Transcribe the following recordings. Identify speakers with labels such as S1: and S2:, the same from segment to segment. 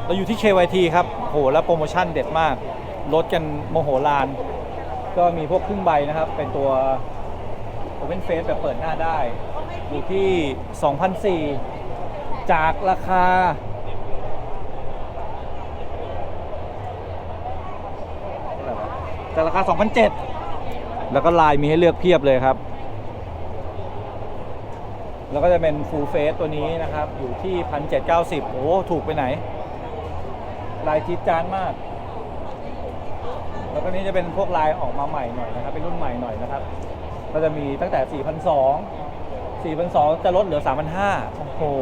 S1: เราอยู่ที่ KYT ครับโหแล้วโปรโมชั่นเด็ดมากลดกันโมโหลานก็มีพวกครึ่งใบนะครับเป็นตัว Open Face แบบเปิดหน้าได้อยู่ที่ 2,400 จากราคา2,700 แล้วก็ลายมีให้เลือกเพียบเลยครับแล้วก็จะเป็น Full Face ตัวนี้นะครับอยู่ที่ 1,790 โอ้ถูกไปไหนลายจี๊ดจ๊าดมากแล้วก็นี้จะเป็นพวกลายออกมาใหม่หน่อยนะครับเป็นรุ่นใหม่หน่อยนะครับก็จะมีตั้งแต่ 4,200 จะลดเหลือ 3,500 โอ้โห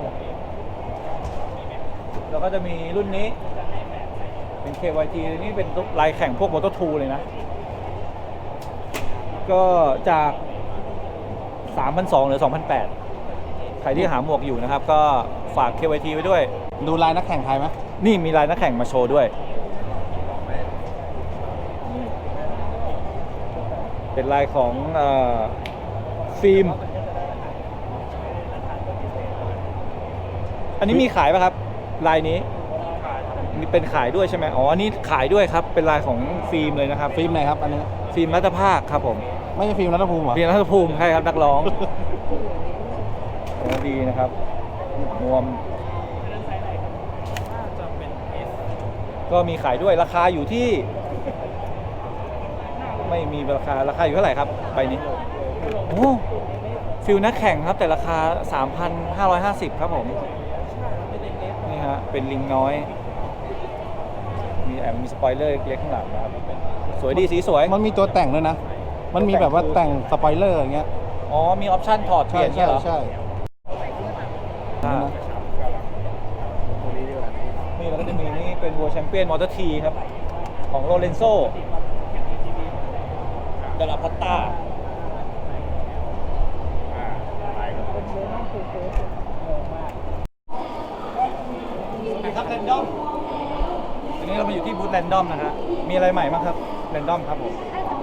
S1: แล้วก็จะมีรุ่นนี้เป็น KYT นี่เป็นลายแข่งพวก Moto2 เลยนะก็จาก 3,200 เหลือ 2,800 ใครที่หาหมวกอยู่นะครับก็ฝาก KYT ไว้ด้วย
S2: ดูลายนักแข่งไทยไหม
S1: นี่มีลายนักแข่งมาโชว์ด้วยเป็นลายของฟิล์มอันนี้มีขายป่ะครับลายนี้มีเป็นขายด้วยใช่ไหมอ๋ออันนี้ขายด้วยครับเป็นลายของฟิล์มเลยนะครับ
S2: ฟิล์มไหนครับอันนี้
S1: ฟิล์มรัตภาคครับผม
S2: ไม่ใช่ฟิล์มรัตภูมิเหรอ
S1: ฟิล์มรัตภูมิใช่ครับนักร้องดีนะครับนวมก็มีขายด้วยราคาอยู่ที่ไม่มีราคาอยู่เท่าไหร่ครับใบนี้โอ้ฟิลนักแข่งครับแต่ราคา 3,550 ครับผมนี่ฮะเป็นลิงน้อยมีสปอยเลอร์เล็กข้างหลังนะครับสวยดีสีสวย
S2: มันมีตัวแต่งด้วยนะมันมีแบบว่าแต่งสปอยเลอร์อย่างเงี้ย
S1: อ๋อมีออปชั่นถอดเปลี่ยนใช่เหรอ
S2: ใช่
S1: นี่แล้วก็จะมีนี่เป็นวัวแชมเปี้ยนมอเตอร์ทีครับของโรเลนโซเดลาพัตตาครับแรนดอมอันนี้เรามาอยู่ที่บูธแรนดอมนะฮะมีอะไรใหม่บ้างครับแรนดอมครับผม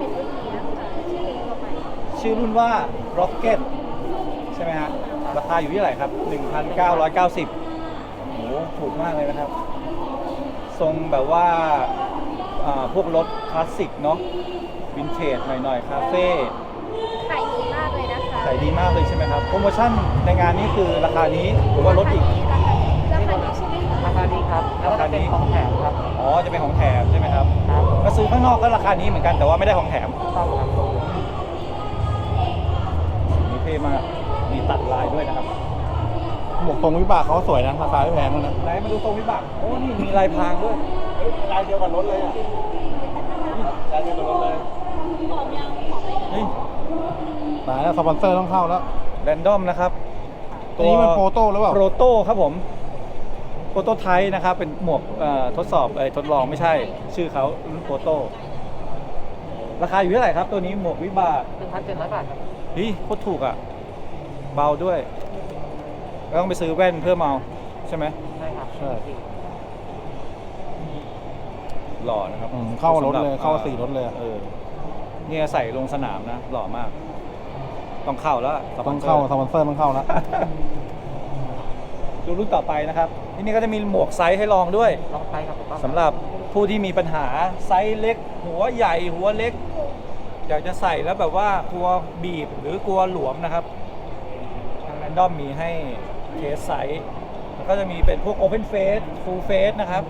S1: ชื่อรุ่นว่า Rocket ใช่ไหมฮะราคาอยู่ที่เท่าไหร่ครับ 1,990 โอ้โหถูกมากเลยนะครับทรงแบบว่าพวกรถคลาสสิกเนาะวินเทจหน่อยๆคาเฟ่
S3: ขายดีมากเลยนะคะ
S1: ขายดีมากเลยใช่ไหมครับโปรโมชั่นในงานนี้คือราคานี้หรือว่าลดอีก
S3: ราคานี้ใช่ไหมคะ
S4: ราคานี้ครับแล้วก็เป็นของแถมครับ
S1: อ๋อจะเป็นของแถมใช่ไหมครับ
S4: ครับ
S1: ก็ซื้อข้างนอกก็ราคานี้เหมือนกันแต่ว่าไม่ได้ของแถม
S4: ต้องครับ
S1: มีเท่มากมีตัดลายด้วยนะครับ
S2: หมวกทรงวิบากเขาสวยนะราคาไม่แพงนะ
S1: ไหนมาดูทรงวิบากโอ้นี่มีลายพรางด้วย
S2: ลายเดียวกับรถเลยอ่ะลายเดียวกับรถเลย
S1: นี่
S2: ตายแล้วสปอนเซอร์ต้องเข้าแล้ว
S1: แรนดอมนะครับ
S2: ตัวนี้มันโปรโต้หรือเปล่า
S1: โปรโต้ครับผมโปรโตไทป์นะครับเป็นหมวกทดสอบทดลองไม่ใช่ชื่อเขารุ่นโปรโต้ราคาอยู่เท่าไหร่ครับตัวนี้หมวกวิบาก
S4: 1,700 บาทครับ
S1: โคตรถูกอ่ะเบาด้วยต้องไปซื้อแว่นเพิ่มเอาใช่ไหม
S4: ใช่ครับ
S2: ใช่
S1: หล่อนะครับ
S2: เข้ารถเลยเข้า4รถเลย
S1: เนี่ยใส่ลงสนามนะหล่อมากต้องเข้าแล้ว
S2: ต้องเข้าสปอนเซอร์ต้องเข้าแล้ว
S1: ดูรุ่นต่อไปนะครับที่นี่ก็จะมีหมวกไซส์ให้ลองด้วย
S4: ลองไซส์ครับ
S1: สำหรับผู้ที่มีปัญหาไซส์เล็กหัวใหญ่หัวเล็กอยากจะใส่แล้วแบบว่ากลัวบีบหรือกลัวหลวมนะครับทางแรนดอมมีให้เทสไซส์แล้วก็จะมีเป็นพวก Open Face Full Face นะครับ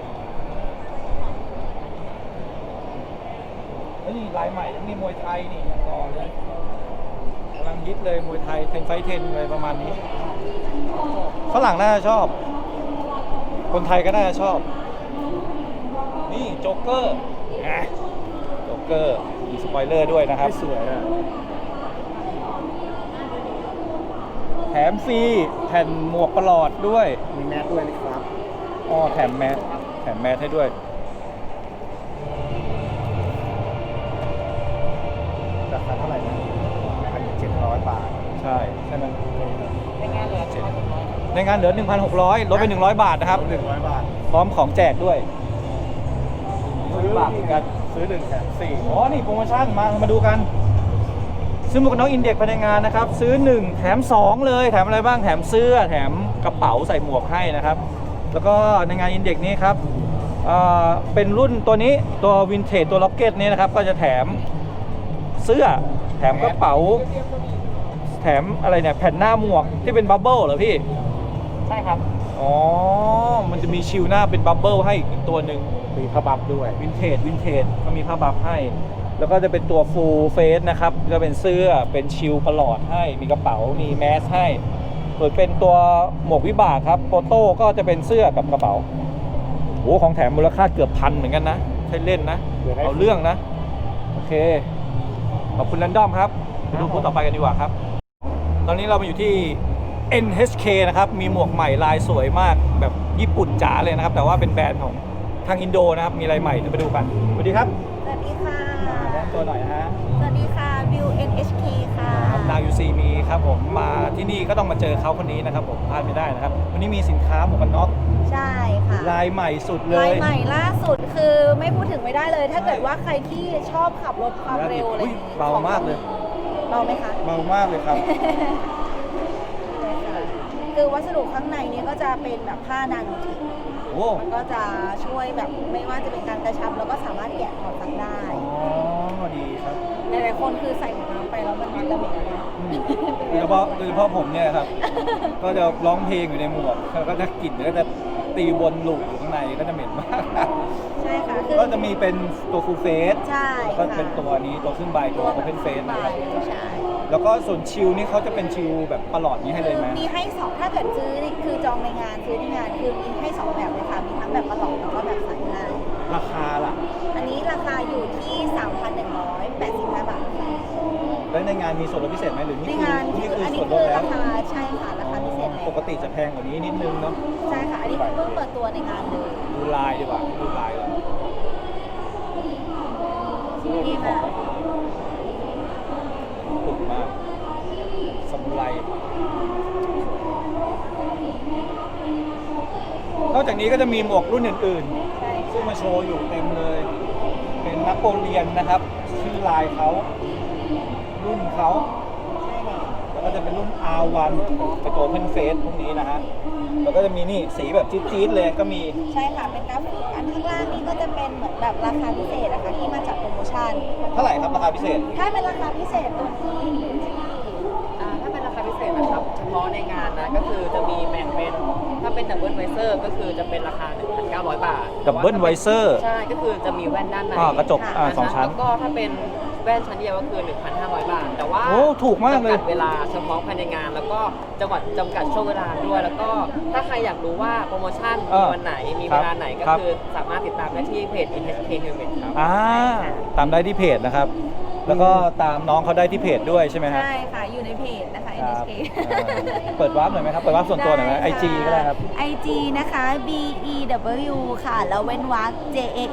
S1: แล้วนี่ลายใหม่ยังมีมวยไทยนี่ยังรอเลยกำลังฮิตเลยมวยไทย10 ไฟท์ 10อะไรประมาณนี้ฝรั่งน่าจะชอบคนไทยก็น่าจะชอบนี่โจ๊กเกอร์โจ๊กเกอร์มีสปอยเลอร์ด้วยนะครับสวยอะแถมฟรีแผ่นหมวกประหลอดด้วย
S2: มีแมสด้วยนะครับ
S1: อ๋อแถมแมสให้ด้วย
S2: ราคาเท่าไหร่นะ1,700 บาท
S1: ใช่ไหม
S4: ในงานเหลือ
S1: ในงานเหลือ 1,600 ลดไป100 บาทนะครับ
S2: 100 บาท
S1: พร้อมของแจกด้วยซื้อบาทกันซื้อ1แถม4อ๋อนี่โปรโมชั่นมาดูกันซื้อหมวกกันน็อกอินเด็กภายในงานนะครับซื้อ1แถม2เลยแถมอะไรบ้างแถมเสื้อแถมกระเป๋าใส่หมวกให้นะครับแล้วก็ในงานอินเด็กนี้ครับเป็นรุ่นตัวนี้ตัววินเทจตัวล็อกเก็ตนี้นะครับก็จะแถมเสื้อแถมกระเป๋าแถมอะไรเนี่ยแผ่นหน้าหมวกที่เป็นบับเบิ้ลเหรอพี่
S4: ใช่ครับ
S1: อ๋อมันจะมีชิลหน้าเป็นบับเบิ้ลให้อีกตัวหนึ่ง
S2: มีผ้าบัฟด้วย
S1: วินเทจก็มีผ้าบัฟให้ แล้วก็จะเป็นตัวฟูลเฟสนะครับก็เป็นเสื้อเป็นชิลประหลอดให้มีกระเป๋ามีแมสให้ส่วนเป็นตัวหมวกวิบากครับโปโต้ก็จะเป็นเสื้อกับกระเป๋าโอ้ของแถมมูลค่าเกือบพันเหมือนกันนะใช่เล่นนะเอาเรื่องนะโอเคขอบคุณแรนดอมครับไปดูพูดต่อไปกันดีกว่าครับตอนนี้เรามาอยู่ที่ NHK นะครับมีหมวกใหม่ลายสวยมากแบบญี่ปุ่นจ๋าเลยนะครับแต่ว่าเป็นแบรนด์ของทางอินโดนะครับมีอะไรใหม่เดี๋ยวไปดูกันสวัสดีครับ
S3: สวัสดีค่ะ
S1: แนะนำตัวหน่อยนะฮะ
S3: สวัสดีค่ะวิว NHK ค่ะ
S1: นาวยูซีมีครับผมมาที่นี่ก็ต้องมาเจอเขาคนนี้นะครับผมพลาดไม่ได้นะครับวันนี้มีสินค้าหมวกกันน็อก
S3: ใช่ค่ะ
S1: ลายใหม่สุดเล
S3: ลาย
S1: ย
S3: ใหม่ล่าสุดคือไม่พูดถึงไม่ได้เลย ถ้าเกิดว่าใครที่ชอบขับรถความเร็วอะไรอย่างงี้
S1: เบามากเลย
S3: เบาไหมคะ
S1: เบามากเลยครับ
S3: คือวัสดุข้างในนี้ก็จะเป็นแบบผ้านาโนทิก
S1: โอ้
S3: มันก็จะช่วยแบบไม่ว่าจะเป็นการกระชับแล้วก็สามารถแกะถอดซักได้
S1: อ๋อดีครับ
S3: หลายๆคนคือใส่หมวกน้ำไปแล้วมันระเหม็นนะ
S1: โดยเฉพาะผมเนี่ยครับ ก็จะร้องเพลงอยู่ในหมวกแล้วก็จะกลิ่นก็จะตีวนลูปอยู่ข้างในก็จะเหม็นมาก
S3: ใช่ค่ะคือ
S1: ก็จะมีเป็นตัวฟูลเฟส
S3: ใช่
S1: ก็
S3: ค่ะ
S1: เป็นตัวนี้ตัวขึ้นใบตัวโอเพนเฟสนะครับ
S3: ใช่
S1: แล้วก็ส่วนชิลนี่เขาจะเป็นชิลแบบประหลอดนี้ให้เลยไหม
S3: มีให้สองถ้าเกิดซื้อนี่คือจองในงานซื้อในงานคือมีให้สองแบบเลยค่ะมีทั้งแบบประหลอดแล้วก็แบบใส่ง่าย
S1: ราคาล่ะ
S3: อันนี้ราคาอยู่ที่ 3,185 บาทค่ะ
S1: แล้วในงานมีส่วนลดพิเศษไหมหรือ
S3: ใน
S1: นี่
S3: งาน
S1: นี่คือ
S3: อันนี้
S1: ส่วนล
S3: คื
S1: ด
S3: อ
S1: แล้
S3: ราว คาใช่ค่ะราคาพิเศษเลย
S1: ปกติจะแพงกว่านี้นิดนึงเนาะ
S3: ใช่ค่ะอันนี้คือเพิ่งเปิดตัวในงานเลย
S1: ดูลายดีกว่าดูลายเลย
S3: นี่มาก
S1: ถูกมากสมุไรนอกจากนี้ก็จะมีหมวกรุ่นอื่น
S3: ใช่
S1: ๆ ซึ่งมาโชว์อยู่เต็มเลย เป็นนโปเลียนนะครับ ชื่อลายเขารุ่นเขา แล้วก็จะเป็นรุ่น R1 เป็นตัว Open Face พวกนี้นะฮะ แล้วก็จะมีนี่สีแบบจี๊ดๆเลยก็มี
S3: ใช่ค่ะเป็นกราฟิกอันข้างล่างนี้ก็จะเป็นเหมือนแบบราคาพิเศษนะคะที่มาจากโปรโมชั่น
S1: เท่าไหร่ครับราคาพิเศษ
S3: ถ้าเป็นราคาพิเศษตัวนี้อยู่ที่
S4: ถ้าเป็นราคาพิเศษนะครับ เฉพาะในงานนะก็คือจะมีแบ่งเป็นถ้าเป็นดับเบิลไวเซอร์ก็คือจะเป็นราคา 1,900 บาท
S1: Double Visor
S4: ใช่ก็คือจะมีแว่นด้านใน
S1: กระจกสองชั้น
S4: แล้วก็ถ้าเป็นแว่นชั้นเดียวก็คือ 1,500 บาท แต่ว่า
S1: โอ้ถูกมากเลย
S4: จำกัดเวลาเฉพาะภายในงาน แล้วก็จังหวัดจำกัดช่วงเวลาด้วย แล้วก็ถ้าใครอยากรู้ว่าโปรโมชั่นมีวันไหนมีเวลาไหนก็
S1: ครับ
S4: คือสามารถติดตามได้ที่เพจ NHK Helmet ครับ
S1: ตามได้ที่เพจนะครับ แล้วก็ตามน้องเขาได้ที่เพจด้วยใช่ไหมฮะ
S3: ใช่ค่ะอยู่ในเพจนะคะ
S1: ครับ
S3: NHK
S1: เปิดวาร์ปหน่อยไหมครับ เปิดวาร์ปส่วนตัวหน่อยไหม
S3: ได้ค่ะ
S1: IG ก็ได้ครับ
S3: IG นะคะ BEW ค่ะ แล้วเว้นวรรค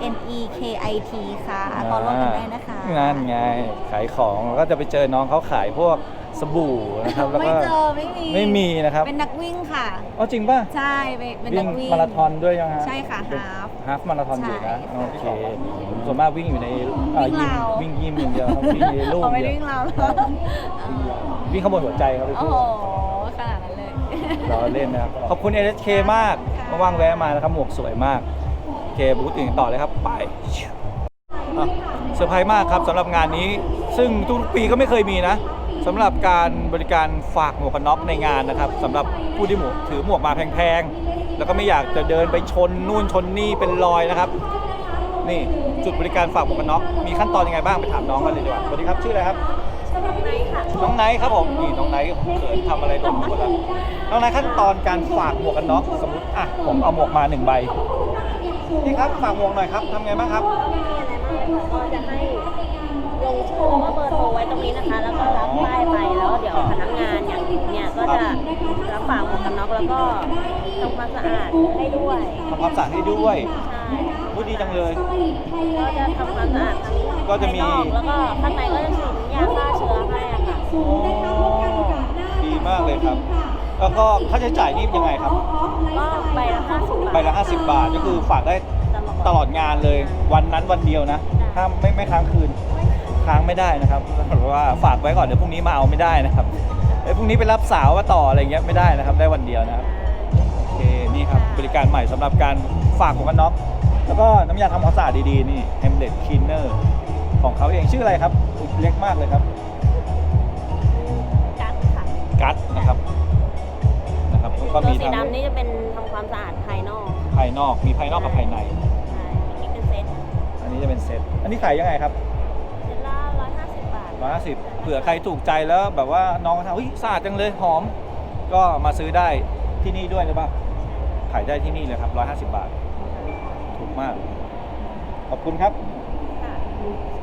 S3: JANEKIT ค่ะขอร่วมกันได้นะคะ
S1: นั่นไง ขายของก็จะไปเจอน้องเขาขายพวกสบู่นะครับ แล้ว
S3: ไม่
S1: ก็
S3: เจอไม่มี
S1: นะครับ
S3: เป็นนักวิ่งค่ะ
S1: อ๋อจริงป่ะ
S3: ใช่เป็น
S1: วิ่
S3: นั
S1: ง
S3: กวิ่ง
S1: มาราธอนด้วยยังฮะ
S3: ใช่ค่ะฮาฟ
S1: ฮาฟมาราธอนอยู่นะ
S3: ใช่
S1: โอเคส่วนมากวิ่งอยู่ใน
S3: วิ่ง
S1: ยิม
S3: ราว
S1: วิ่งยิมอย่างเดียวครับวิ่งในลูก
S3: เอาไม่
S1: เดี
S3: ได้
S1: ยว
S3: วิ่งเรา
S1: วิ่งข้างบนหัวใจครับพี่
S3: โอ้
S1: พี่
S3: โหขนาดนั้นเลย
S1: เราเล่นนะครับ ขอบคุณ NHK มาก
S3: ค่ะ
S1: ว่างๆแวะมานะครับ หมวกสวยมาก โอเคบูธอื่นต่อเลยครับ ไปอ่ะเซอร์ไพรส์มากครับสำหรับงานนี้ ซึ่งทุกปีก็ไม่เคยมีนะสำหรับการบริการฝากหมวกกันน็อกในงานนะครับสำหรับผู้ที่ถือหมวกมาแพงๆ แล้วก็ไม่อยากจะเดินไปชนนู่นชนนี่เป็นรอยนะครับ นี่จุดบริการฝากหมวกกันน็อกมีขั้นตอนยังไงบ้างไปถามน้องกันเลยดีกว่าสวัสดีครับชื่ออะไรครับ น้องไนท์ครับผมนี่น้องไนท์เขินทำอะไรโดนหมดแล้วน้องไนท์ขั้นตอนการฝากหมวกกันน็อกสมมติอ่ะผมเอาหมวกมา1 ใบพี่ครับฝากหมวกหน่อยครับทำไงบ้างครับ
S5: ก็จะให้ลงชื่อแล้วก็เบอร์โทรไว้ตรงนี้นะคะ แล้วก็รับป้ายไปแล้วเดี๋ยวพนักงานอย่างเนี่ยก็จะรับฝากหมวกกันน็อกแล้วก็ทำความสะอาดให้ด้วย
S1: ทำความสะอาดให้ด้วย
S5: ใช่
S1: พูดดีจังเลย
S5: ก็จะทำความสะอาดทั้ง
S1: ก็จะมี
S5: ภายนอกแล้วก็ข้างในก็จะฉีดยาฆ่าเชื้อให้อะค่ะ
S1: อ๋อดีมากเลยครับ แล้วก็ค่าใช้จ่ายนี่ยังไงครับ
S5: ก็ใบละ50 บาท
S1: ใบละ50 บาทก็คือฝากได้ตลอดงานเลยวันนั้นวันเดียวนะถ้าไม่ค้างคืนค้างไม่ได้นะครับเพราะว่าฝากไว้ก่อนเดี๋ยวพรุ่งนี้มาเอาไม่ได้นะครับพรุ่งนี้ไปรับสาวมาต่ออะไรเงี้ยไม่ได้นะครับได้วันเดียวนะครับโอเคนี่ครับบริการใหม่สำหรับการฝากหมวกกันน็อกแล้วก็น้ำยาทำความสะอาดดีๆนี่ Hamlet Cleaner ของเขาเองชื่ออะไรครับอุ๊ยเล็กมากเลยครับ
S5: กัดค่ะ
S1: กัดนะครับแล้วก็
S5: ตัว
S1: มี
S5: สี
S1: ทั้ง
S5: ดำนี่จะเป็นทำความสะอาดภายนอก
S1: ภายนอกมีภายนอกกับภายใน
S5: ใช่อันนี้เป็นเซต
S1: อันนี้จะเป็นเซตอันนี้ขายยังไงครับ
S5: เซตละ150 บาท
S1: 150เผื่อใครถูกใจแล้วแบบว่าน้องเขาทำเฮ้ยสะอาดจังเลยหอม ก็มาซื้อได้ที่นี่ด้วยหรือเปล่าขายได้ที่นี่เลยครับ150 บาทถูกมากขอบคุณครับ
S5: ค่ะ